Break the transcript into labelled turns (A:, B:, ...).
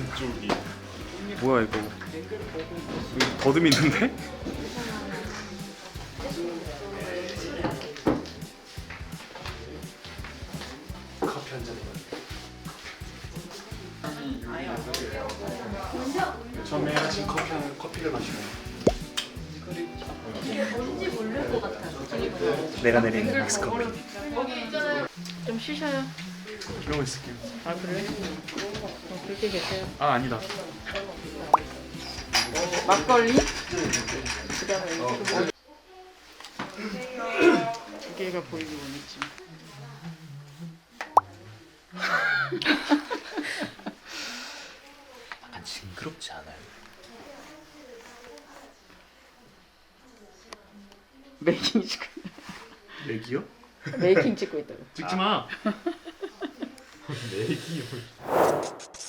A: 이쪽이 뭐야 이거? 여기 더듬 있는데? 커피 한 잔. 처음에 아침 커피를 마시고.
B: 이게 뭔지 모를 것 같아.
A: 내가 내린 믹스 커피.
B: 좀 쉬셔요.
A: 이러고 있을게요.
B: 아 그래? 그렇게 계세요.
A: 아 아니다.
B: 막걸리? 그다음에 두 개가 보이기 원했지.
C: 약간 징그럽지 않아요?
B: 메이킹 찍고
A: 맥이요?
B: 메이킹 찍고 있다고.
A: 찍지 마. 맥이요.